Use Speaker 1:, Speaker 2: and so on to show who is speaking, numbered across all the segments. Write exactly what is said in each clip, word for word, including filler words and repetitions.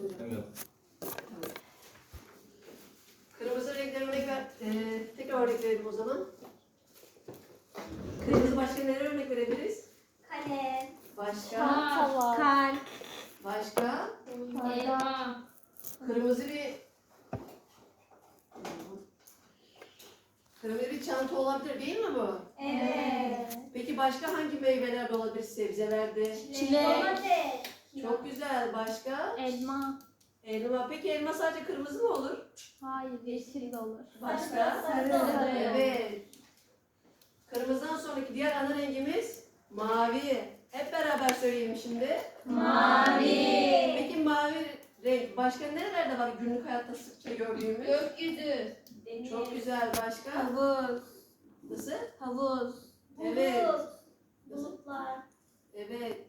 Speaker 1: Evet.
Speaker 2: Kırmızı renkler örnek ver. Ee, tekrar örnek verelim o zaman. Kırmızı başka nereye örnek verebiliriz?
Speaker 3: Kalem.
Speaker 2: Başka?
Speaker 4: Çanta var.
Speaker 3: Kalp.
Speaker 2: Başka?
Speaker 3: Elma.
Speaker 2: Kırmızı bir Kırmızı bir çanta olabilir değil mi bu?
Speaker 3: Evet.
Speaker 2: Peki başka hangi meyveler de olabilir sebzelerde?
Speaker 4: Çilek.
Speaker 3: Domates.
Speaker 2: Çok güzel. Başka?
Speaker 4: Elma.
Speaker 2: Elma. Peki elma sadece kırmızı mı olur?
Speaker 4: Hayır, yeşil de olur.
Speaker 2: Başka?
Speaker 3: Sarı.
Speaker 4: Sarı.
Speaker 2: Evet. Kırmızıdan sonraki diğer ana rengimiz mavi. Hep beraber söyleyelim şimdi.
Speaker 3: Mavi.
Speaker 2: Peki mavi renk başka nerelerde var günlük hayatta sıkça gördüğümüz?
Speaker 3: Gökyüzü.
Speaker 2: Çok güzel. Başka?
Speaker 4: Havuz.
Speaker 2: Nasıl?
Speaker 4: Havuz.
Speaker 2: Evet.
Speaker 3: Bulutlar.
Speaker 2: Evet.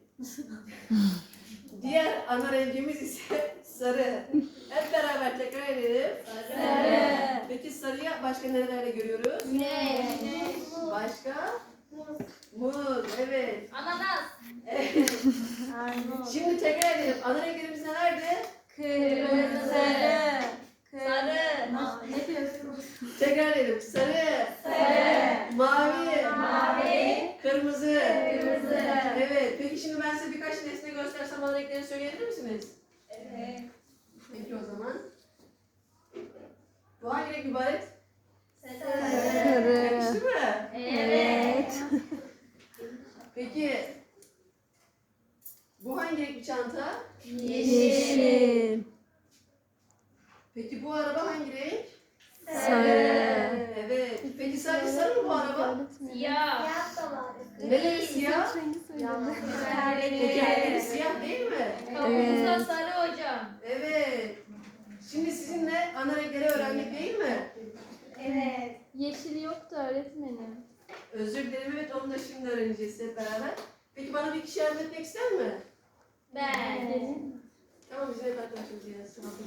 Speaker 2: Diğer ana rengimiz ise sarı. Hep beraber tekrar edelim.
Speaker 3: Sarı.
Speaker 2: Peki sarıyı başka nerelerde görüyoruz?
Speaker 3: Güneş.
Speaker 2: Başka?
Speaker 3: Muz.
Speaker 2: Muz. Evet.
Speaker 3: Ananas.
Speaker 2: Evet.
Speaker 4: Armut.
Speaker 2: Şimdi tekrar edelim. Ana renklerimiz nelerdi?
Speaker 4: Kırmızı. Sarı.
Speaker 3: Sarı.
Speaker 4: Ne diyorsun?
Speaker 2: Tekrar edelim. Sarı.
Speaker 3: Sarı.
Speaker 2: Mavi.
Speaker 3: Mavi.
Speaker 2: Kırmızı.
Speaker 3: Kırmızı.
Speaker 2: Evet. Peki şimdi ben size birkaç nesne göstersem ana renklerini söyleyebilir misiniz?
Speaker 3: Evet.
Speaker 2: Peki o zaman. Bu hangi renk mübarek?
Speaker 3: Sarı.
Speaker 2: Yakıştı mı?
Speaker 3: Evet.
Speaker 2: Peki bu hangi renk bir çanta?
Speaker 3: Yeşil.
Speaker 2: Peki bu araba hangi renk?
Speaker 3: Sarı.
Speaker 2: Evet. Peki sadece sarı mı bu araba?
Speaker 3: Siyah. Siyah da var.
Speaker 2: Neleri siyah? Tekerleri siyah değil mi?
Speaker 3: Kapusa sarı hocam.
Speaker 2: Evet. Şimdi sizinle ana renkleri öğrendik değil mi?
Speaker 3: Evet.
Speaker 4: Yeşil yoktu öğretmenim.
Speaker 2: Özür dilerim, evet, onu da şimdi öğreneceğiz hep beraber. Peki bana bir kişi yardım etmek ister mi?
Speaker 3: Ben.
Speaker 2: Tamam, biz hep arkadaşımız ya.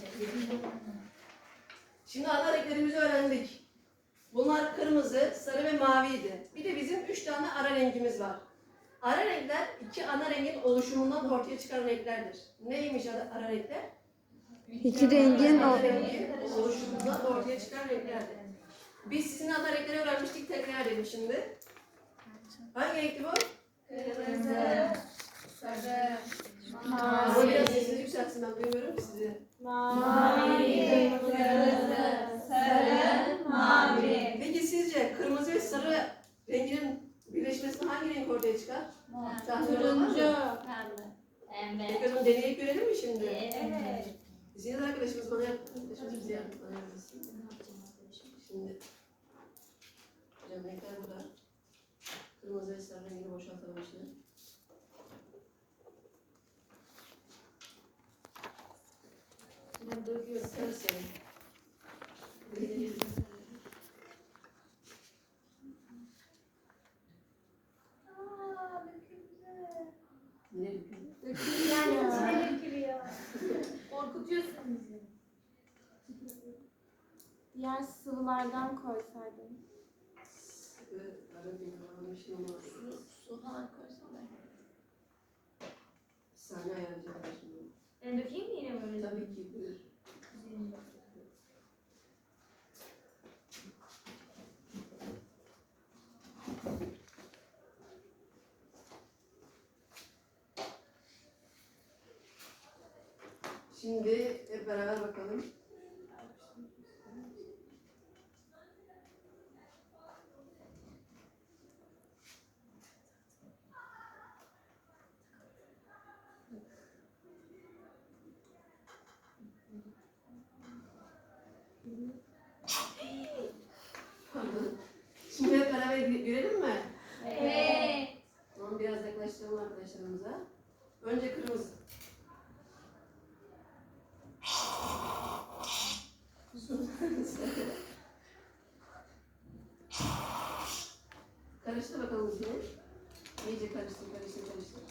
Speaker 2: Şimdi ana renklerimizi öğrendik. Bunlar kırmızı, sarı ve maviydi. Bir de bizim üç tane ara rengimiz var. Ara renkler iki ana rengin oluşumundan ortaya çıkan renklerdir. Neymiş ara, ara renkler?
Speaker 5: İki rengin
Speaker 2: Ana
Speaker 5: o-
Speaker 2: rengin oluşumundan ortaya çıkan renklerdir. Biz sizin ana renkleri öğrenmiştik, tekrar edelim şimdi. Hangi renkti bu?
Speaker 3: Kırmızı. Sarı.
Speaker 2: Ama biraz sesinizi yükseltsin, ben duymuyorum ki sizi.
Speaker 3: Mavi. Kırmızı. Sarı. Mavi.
Speaker 2: Peki sizce kırmızı ve sarı renginin birleşmesinde hangi renk ortaya çıkar? Tahmin olan var mı?
Speaker 3: Pembe.
Speaker 2: Peki o zaman deneyip görelim mi şimdi?
Speaker 3: Evet.
Speaker 2: Zinet arkadaşımız bana yap, arkadaşımız bize yardım bana yapmasın. Şimdi, hocam renkler burada. Kırmızı ve sarı rengini boşaltalım şimdi. Şimdi döküyoruz sarı sarı.
Speaker 3: Aa, döküldü.
Speaker 2: Yine döküyoruz.
Speaker 3: Yani içine dökülüyor. Korkutuyorsun bizi.
Speaker 4: Diğer sıvılardan koysaydın.
Speaker 2: Evet, ara bir almışım ama
Speaker 3: Su falan koysana.
Speaker 2: sahne ayarlayacağım şimdi.
Speaker 3: Ben dökeyim mi yine böyle?
Speaker 2: Tabii ki buyur. Şimdi hep beraber bakalım. Pardon. Şimdi hep beraber gö- görelim mi?
Speaker 3: Evet.
Speaker 2: Tamam, biraz yaklaştıralım arkadaşlarımıza. Önce kırmızı. Karıştır bakalım içine. İyice karıştır, karıştır, karıştır.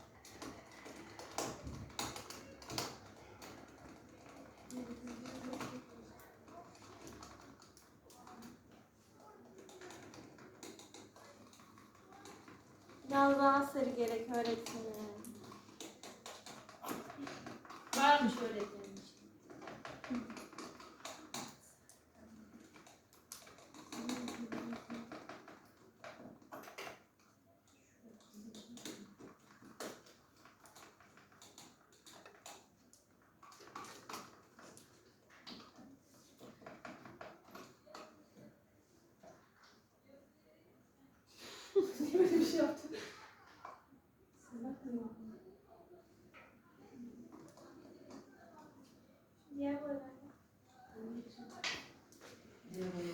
Speaker 4: Biraz daha sarı gerek öğretmenim.
Speaker 3: Varmış öğretmenim. Diğer boyalar.
Speaker 2: Diğer boya.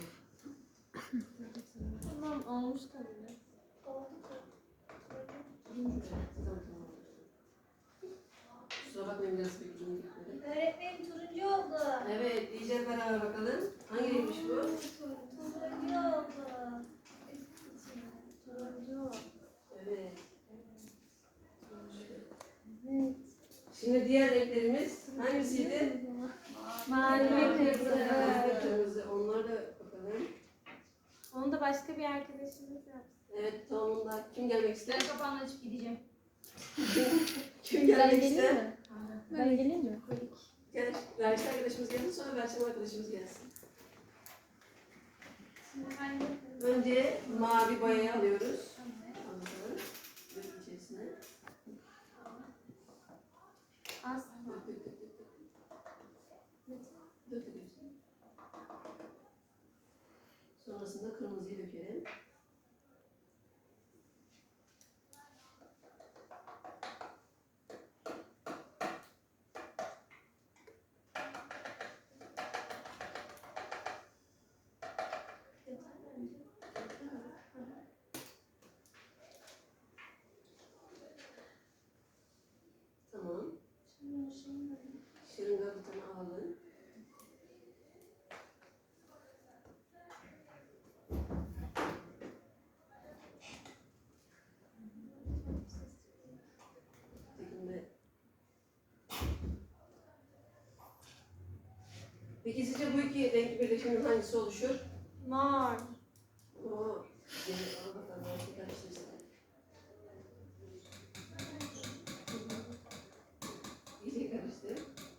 Speaker 4: Tamam olmuş tabii.
Speaker 3: Oldu.
Speaker 2: Kusura bakmayın biraz bekleyin gitmedi.
Speaker 3: Öğretmenim turuncu oldu.
Speaker 2: Evet, diyeceğiz beraber bakalım. Hangi renkmiş bu?
Speaker 3: Turuncu oldu.
Speaker 4: Turuncu.
Speaker 2: Evet.
Speaker 4: Evet.
Speaker 2: Şimdi diğer renklerimiz hangisiydi?
Speaker 4: Mavi ve kırmızı.
Speaker 2: Mavi ve kırmızı. Onlara da bakalım.
Speaker 4: Onu da başka bir arkadaşımız yaptı.
Speaker 2: Evet, tamamında. Kim gelmek ister?
Speaker 3: Ben kapağını açıp gideceğim.
Speaker 2: Kim gelmek ister?
Speaker 4: mi? Ben geleyim mi?
Speaker 2: Gel. Berçin arkadaşımız gelsin, sonra Berçin arkadaşımız gelsin.
Speaker 3: Şimdi hangi?
Speaker 2: Önce mavi boyayı alıyoruz. Bakalım. Dök içerisine.
Speaker 4: Az.
Speaker 2: Dök, dök, dök, dök, dök. Dök, dök hepsini. Sonrasında kırmızıyı dökelim. Tamam. Şırınga bir tane alalım. Tekinde. Peki sizce bu iki renk birleşiminin hangisi oluşur?
Speaker 4: Mor.
Speaker 2: Oo. Yeni al bakalım. Belki karıştırsın. İyice karıştır.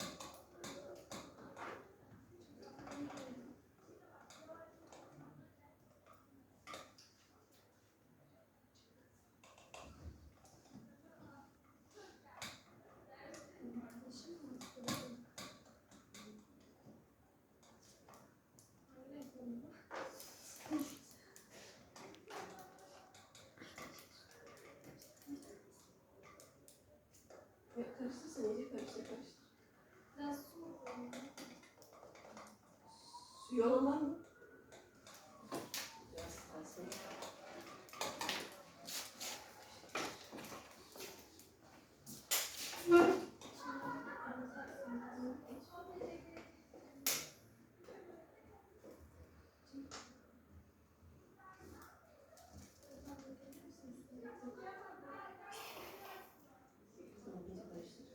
Speaker 2: Ya karıştırsın, iyice karıştır, karıştır.
Speaker 3: Biraz su mu koyayım?
Speaker 2: Suyu olan var mı? Biraz kalsın. Tamam, iyice karıştır.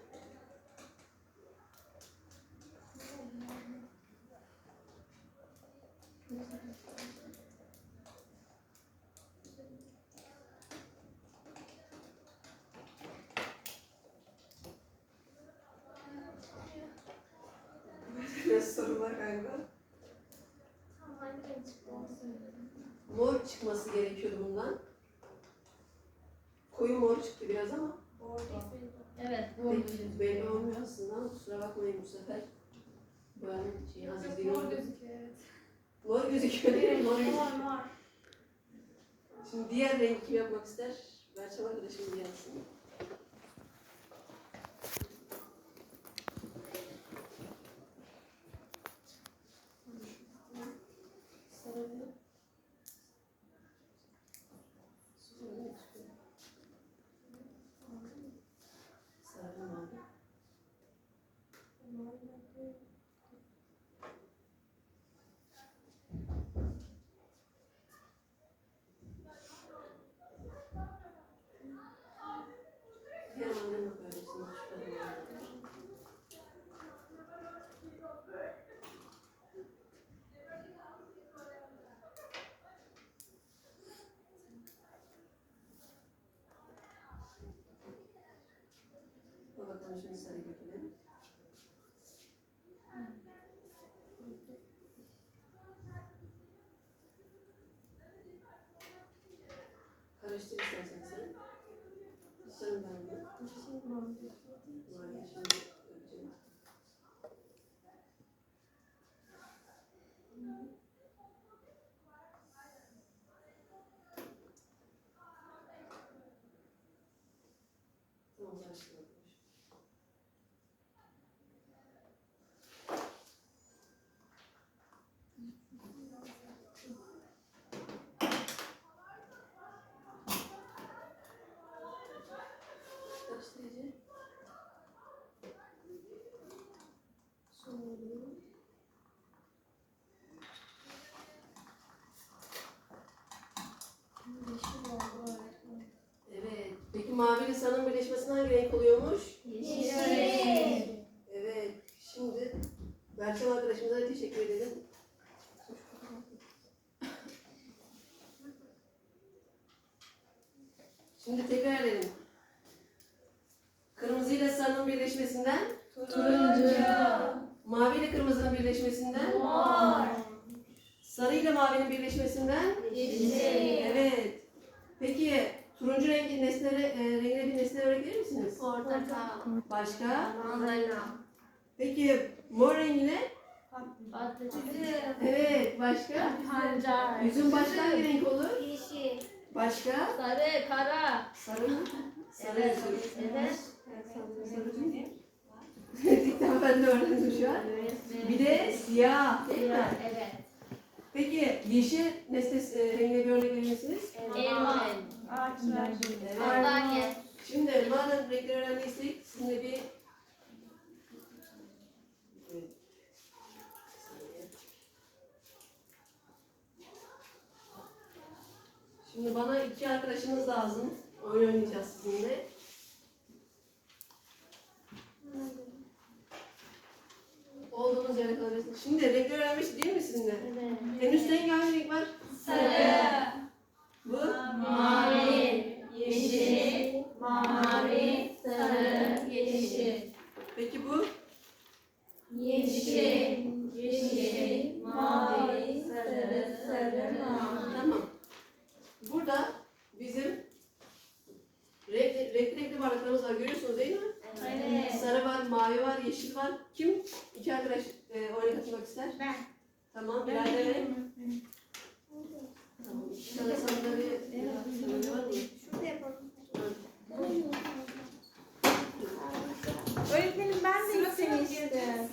Speaker 2: Biraz sorun var galiba.
Speaker 3: Tamam, hangi renk çıktı onu söyledim.
Speaker 2: Mor çıkması gerekiyordu bundan. Koyu mor çıktı biraz ama
Speaker 3: Evet.
Speaker 2: belli, belli olmuyor aslında. Kusura bakmayın bu sefer. Boyanın şeyi az
Speaker 3: Çok
Speaker 2: izliyor.
Speaker 3: mor gözüküyor, evet.
Speaker 2: Mor gözüküyor değil mi? Mor
Speaker 3: Mor
Speaker 2: gözüküyor.
Speaker 3: mor.
Speaker 2: Şimdi diğer rengi kim yapmak ister? Berçem arkadaşım gelsin. Sarı ve sarı ve çıkıyor. Sarı ve mavi. Diğer maviye bak öylesine çıkarım. Bakalım şimdi sarı dökelim. birleşmesinde hangi renk oluyormuş?
Speaker 3: Yeşil.
Speaker 2: Evet. Şimdi Berçem arkadaşımıza da teşekkür edelim. Şimdi tekrar edelim. Kırmızı ile sarının birleşmesinden,
Speaker 3: Turuncu.
Speaker 2: mavi ile kırmızının birleşmesinden,
Speaker 3: Mor.
Speaker 2: sarı ile mavinin birleşmesinden,
Speaker 3: Yeşil.
Speaker 2: evet. Peki turuncu rengi nesnelere, e, rengine bir nesne öğretebilir misiniz?
Speaker 3: Portakal.
Speaker 2: Başka?
Speaker 3: Mandalina.
Speaker 2: Peki mor rengine?
Speaker 3: Patlıcan.
Speaker 2: Evet. Başka?
Speaker 4: Pancar.
Speaker 2: Yüzün başka hangi renk olur?
Speaker 3: Yeşil.
Speaker 2: Başka?
Speaker 3: Sarı, kara.
Speaker 2: Sarı mı? Sarı
Speaker 3: Evet.
Speaker 2: yüzü.
Speaker 3: Evet.
Speaker 2: Gerçekten ben de öğrendim şu an. Bir de siyah değil mi?
Speaker 3: Evet.
Speaker 2: Peki yeşil nesne e, rengine bir örnek verir misiniz?
Speaker 3: Elma.
Speaker 4: Ağaçlar.
Speaker 2: Evet.
Speaker 3: Sandalye.
Speaker 2: Şimdi madem renkleri öğrendiysek sizinle bir Evet. Şimdi bana iki arkadaşınız lazım. Oyun oynayacağız sizinle. Olduğunuz yere kalabilirsiniz. Şimdi renkleri öğrenmiştik değil mi sizinle?
Speaker 3: Evet.
Speaker 2: En üstte hangi renk var?
Speaker 3: Sarı.
Speaker 2: Bu?
Speaker 3: Mavi. Yeşil. Mavi. Sarı. Yeşil.
Speaker 2: Peki bu?
Speaker 3: Yeşil. Yeşil. Mavi. Sarı. Sarı. Mavi.
Speaker 2: Tamam. Burada bizim renkli renkli, renkli bardaklarımız var. Görüyorsunuz değil mi?
Speaker 3: Evet.
Speaker 2: Sarı var, mavi var, yeşil var. Kim? İki arkadaş e, oyuna katılmak ister?
Speaker 4: Ben.
Speaker 2: Tamam. Bilal'de verin. Tamam. İki tane sandalye sandalye var mı?
Speaker 3: Şurada yapalım.
Speaker 4: Öğretmenim ben de istemiştim.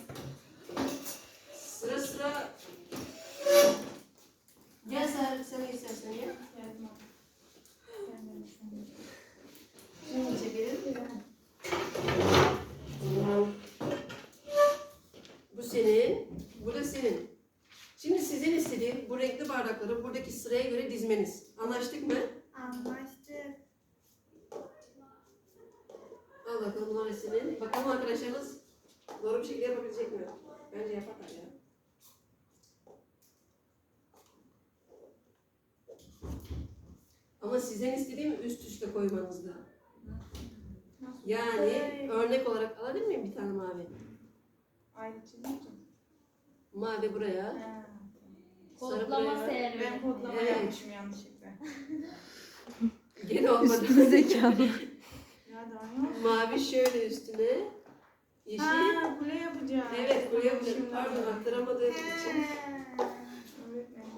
Speaker 2: Sıra sıra gel sen, sen de istersen gel. Şimdi çekelim. Bu senin, bu da senin. Şimdi sizin istediğim bu renkli bardakları buradaki sıraya göre dizmeniz. Anlaştık mı?
Speaker 3: Anlaştık.
Speaker 2: Al bakalım bunlar senin. Bakalım arkadaşlarınız doğru bir şekilde yapabilecek mi? Bence yaparlar ya. Ama sizden istediğim üst üste koymanızdı. Yani örnek olarak alabilir miyim bir tane mavi?
Speaker 4: Ayrı çizim.
Speaker 2: Mavi buraya. Sarı
Speaker 3: Kodlama
Speaker 2: buraya.
Speaker 3: servis.
Speaker 4: Ben kodlama
Speaker 2: Evet.
Speaker 4: yapmışım yanlışlıkla.
Speaker 2: Gene olmadı.
Speaker 5: Üstü zekalı.
Speaker 4: Ya daha yok.
Speaker 2: Mavi şöyle üstüne. Yeşil.
Speaker 4: Ha, kule yapacağız.
Speaker 2: Evet buraya yapacağım.
Speaker 4: Şimdi
Speaker 2: Pardon
Speaker 4: anladım.
Speaker 2: aktaramadığım için.
Speaker 4: Öğretmenim.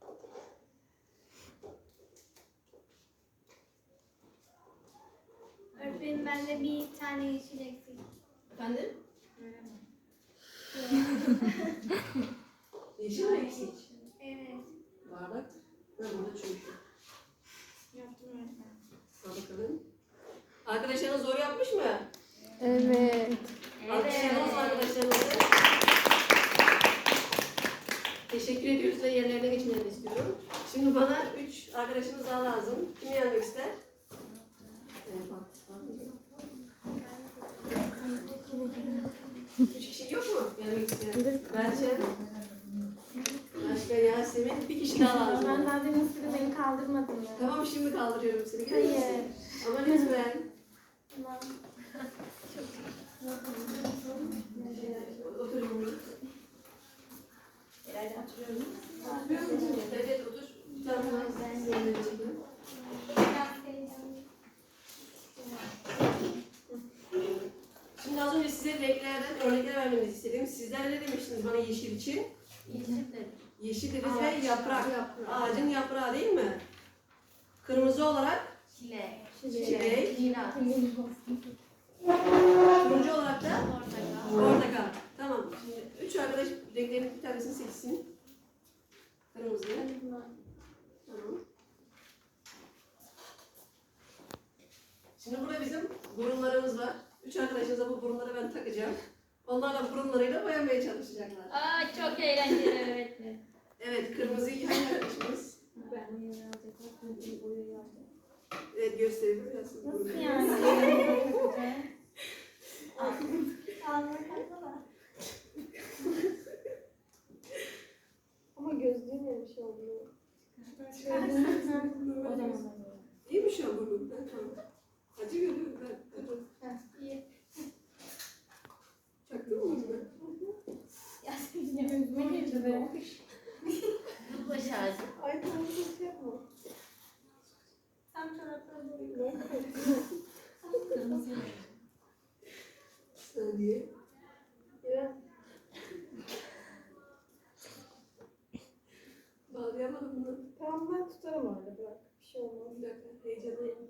Speaker 3: Öğretmenim bende bir tane yeşil eksik.
Speaker 2: Efendim?
Speaker 4: Veremem.
Speaker 2: Yeşil mi eksik?
Speaker 3: Evet.
Speaker 2: Bardak. Ben burada çünkü.
Speaker 4: Yaptım öğretmenim.
Speaker 2: Al bakalım. Arkadaşlarınız zor yapmış mı?
Speaker 5: Evet.
Speaker 2: Alkışlayalım arkadaşlarımızı. Teşekkür ediyoruz ve yerlerine geçmelerini istiyorum. Şimdi bana üç arkadaşımız daha lazım. Kim gelmek ister? Evet, bak, bak. Üç kişi yok mu? Gelmek isteyen. Bence. Başka Yasemin. Bir kişi daha
Speaker 4: Ben
Speaker 2: lazım.
Speaker 4: daha demin sizi beni kaldırmadım ya.
Speaker 2: Tamam şimdi kaldırıyorum seni. Görüyor musun?
Speaker 4: Hayır.
Speaker 2: Ama lütfen.
Speaker 3: Tamam.
Speaker 2: Oturun.
Speaker 4: İleride oturuyorum.
Speaker 2: Evet otur. Tamam. Ben de yerine çekeyim. Şimdi az önce size renklerden örnekler vermenizi istedim. Sizler ne demiştiniz bana yeşil için?
Speaker 3: Yeşil dedim.
Speaker 2: Yeşil dediniz ve yaprak. Ağacın yaprağı değil mi? Kırmızı olarak
Speaker 3: Çilek.
Speaker 2: çilek.
Speaker 3: Kiraz.
Speaker 2: Turuncu olarak da
Speaker 3: Portakal.
Speaker 2: portakal. Tamam. Şimdi üç arkadaş renklerin bir tanesini seçsin. Kırmızı. Tamam. Şimdi burada bizim burunlarımız var. Üç arkadaşımıza bu burunları ben takacağım. Onlar da burunlarıyla boyamaya çalışacaklar.
Speaker 3: Aa çok eğlenceli öğretmenim.
Speaker 2: Evet, kırmızıyı hangi arkadaşımız?
Speaker 4: Ben uyuyor alacak.
Speaker 2: Evet gösterelim biraz.
Speaker 4: Nasıl yani?
Speaker 3: Ağzına kalksana.
Speaker 4: Ama gözlüğümle bir şey oluyor. O zaman.
Speaker 2: İyiymiş ama burnum. Ben tamam. Acı görüyorum ben.
Speaker 3: İyi.
Speaker 2: Çaktın mı bunu?
Speaker 3: Ya senin gözüme girdi be. Baş ağrısı.
Speaker 4: Ay tamam bir şey yapma.
Speaker 3: Tam çorapları boyuyor.
Speaker 2: Saniye.
Speaker 4: Ya.
Speaker 2: Bağlayamadım bunu.
Speaker 4: Tamam ben tutarım orada bırak. Bir şey olmaz.
Speaker 2: Bir dakika. Heyecanlıyım.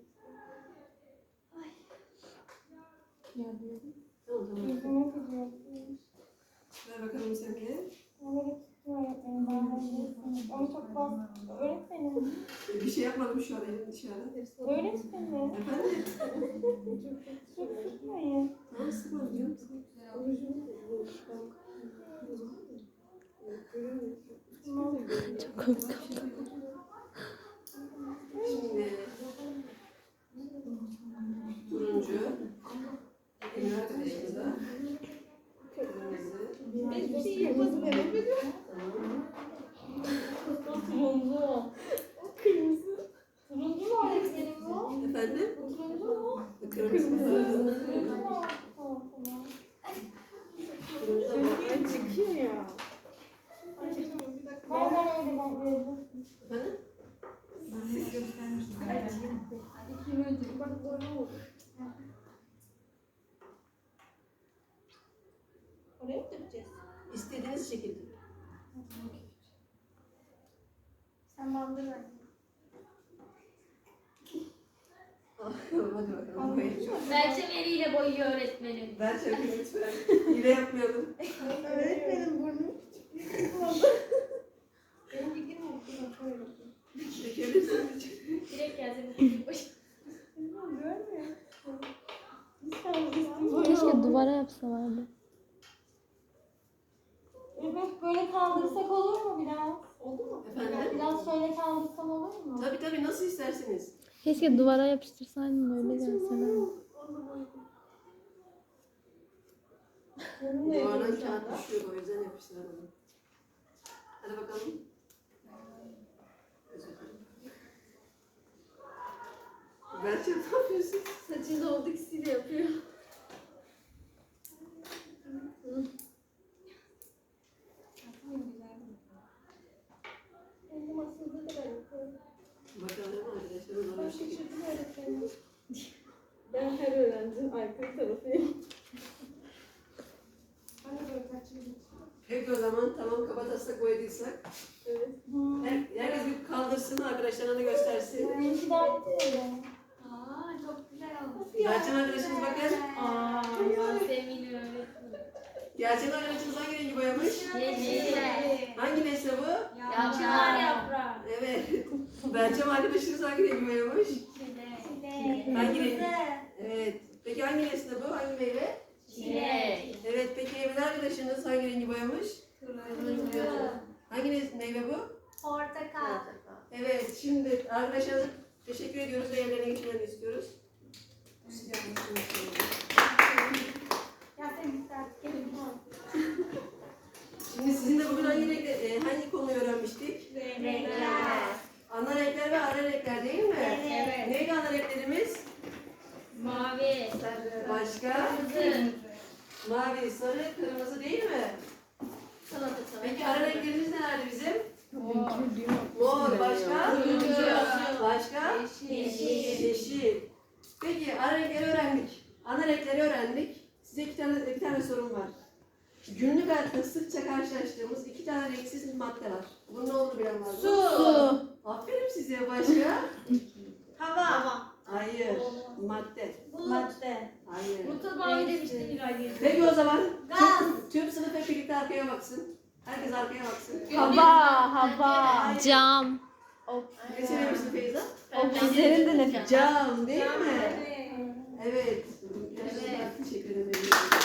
Speaker 4: Ya
Speaker 2: Tamam tamam.
Speaker 4: yüzüme gidiyorsun.
Speaker 2: Ver bakalım sen de.
Speaker 4: Ama gittim öğretmenim. Ben halledesiniz. Ama çok fazla. Öğretmenim.
Speaker 2: Bir şey yapmadım şu an elim dışarıda.
Speaker 4: Öğretmenim.
Speaker 2: Efendim?
Speaker 4: Çok sıkmayın.
Speaker 2: Tamam sıkmadım canım.
Speaker 5: Çok komik.
Speaker 2: Şimdi turuncu. Emir arkadaşımız da. Kırmızı.
Speaker 4: Hiçbir şey yapmadım evet.
Speaker 2: Tamam.
Speaker 4: Turuncu. Kırmızı. Turuncu mu öğretmenim bu?
Speaker 2: Efendim?
Speaker 4: Turuncu mu?
Speaker 2: Kırmızı.
Speaker 4: Turuncu mu? Tamam tamam.
Speaker 2: Turuncu da bu.
Speaker 4: Ay çıkıyor ya. Ben ben öyle ben öyle.
Speaker 2: Efendim?
Speaker 4: Bak böyle oldu. Oraya mı dökeceğiz?
Speaker 2: İstediğiniz şekilde.
Speaker 3: Sen bandır ver.
Speaker 2: Hadi bakalım. Koyayım.
Speaker 3: Belçe veriyle boyuyor öğretmenim.
Speaker 2: Ben çok lütfen. Hile yapmayalım.
Speaker 4: Öğretmenim burnu küçük. Benim fikrim yok. Şöyle.
Speaker 2: Çekebilirsiniz.
Speaker 3: Direkt gelsin.
Speaker 4: Görmüyor. Lütfen üstüm
Speaker 5: Keşke duvara yapsalardı.
Speaker 4: Evet böyle kaldırsak olur mu biraz? Oldu mu?
Speaker 2: Efendim?
Speaker 4: Biraz şöyle kaldırsam olur mu?
Speaker 2: Tabii tabii nasıl isterseniz.
Speaker 5: Keşke duvara yapıştırsaydın öyle gelseler.
Speaker 2: Duvardan kağıt düşüyor o yüzden yapıştıramadım. Hadi bakalım. Berçem ne yapıyorsun?
Speaker 3: Saçında oldu ikisiyle yapıyor.
Speaker 4: Benim aslında da ben yapıyorum.
Speaker 2: Bakalım arkadaşlar ona bir şey.
Speaker 4: Şaşırdım öğretmenim. Ben her öğrencinin aykırı tarafıyım. Ben de böyle kaçırdım.
Speaker 2: Peki o zaman tamam kabataslak boyadıysak.
Speaker 4: Evet.
Speaker 2: Her, herkes bir kaldırsın arkadaşlarına da göstersin.
Speaker 4: Benimki de aynı öyle.
Speaker 3: Aa çok güzel olmuş.
Speaker 2: Berçem arkadaşımız bakın.
Speaker 3: Aa Yasemin öğretmenim.
Speaker 2: Gerçek arkadaşımız hangi rengi boyamış?
Speaker 3: Yeşil.
Speaker 2: Hangi nesne bu?
Speaker 3: Yaprak yaprağı.
Speaker 2: Evet. Berçem arkadaşımız hangi rengi boyamış? Hangi renk? Evet. Peki hangi nesne bu? Hangi meyve?
Speaker 3: Çilek.
Speaker 2: Evet. Peki Emine arkadaşınız hangi rengi boyamış? Hangi nes- meyve bu?
Speaker 3: Portakal.
Speaker 2: Evet. Şimdi arkadaşlarımıza teşekkür ediyoruz ve evlerine geçmelerini istiyoruz.
Speaker 3: Yasemin sen gelin.
Speaker 2: Şimdi sizinle bugün hangi renkte, e, hangi konuyu öğrenmiştik?
Speaker 3: Renkler.
Speaker 2: Ana renkler ve ara renkler değil mi?
Speaker 3: Evet.
Speaker 2: Neydi ana renklerimiz?
Speaker 3: Mavi.
Speaker 2: Başka?
Speaker 3: Kırmızı.
Speaker 2: Mavi, sarı, kırmızı değil mi?
Speaker 3: Salata
Speaker 2: Peki ara renklerimiz nelerdi bizim?
Speaker 5: Mor.
Speaker 2: Mor, başka?
Speaker 3: Turuncu.
Speaker 2: Başka?
Speaker 3: Yeşil.
Speaker 2: Yeşil. Peki ara renkleri öğrendik. Ana renkleri öğrendik. Size iki tane, bir tane sorum var. Günlük hayatta sıkça karşılaştığımız iki tane renksiz madde var. Bunun ne olduğunu bilen var mı?
Speaker 5: Su.
Speaker 2: Aferin size başka.
Speaker 3: Hava.
Speaker 2: Hayır. Madde.
Speaker 3: Madde.
Speaker 2: Hayır.
Speaker 3: Mutlu mavi demiştin İlayda.
Speaker 2: Peki o zaman
Speaker 3: Gaz.
Speaker 2: tüm, tüm sınıf hep birlikte arkaya baksın. Herkes arkaya baksın.
Speaker 5: Hava, hava. Cam.
Speaker 2: Ne söylemiştin Feyza?
Speaker 5: Oksijenin de nefes.
Speaker 2: Cam değil mi?
Speaker 3: Evet.
Speaker 2: Evet. Gerçekten teşekkür ederim.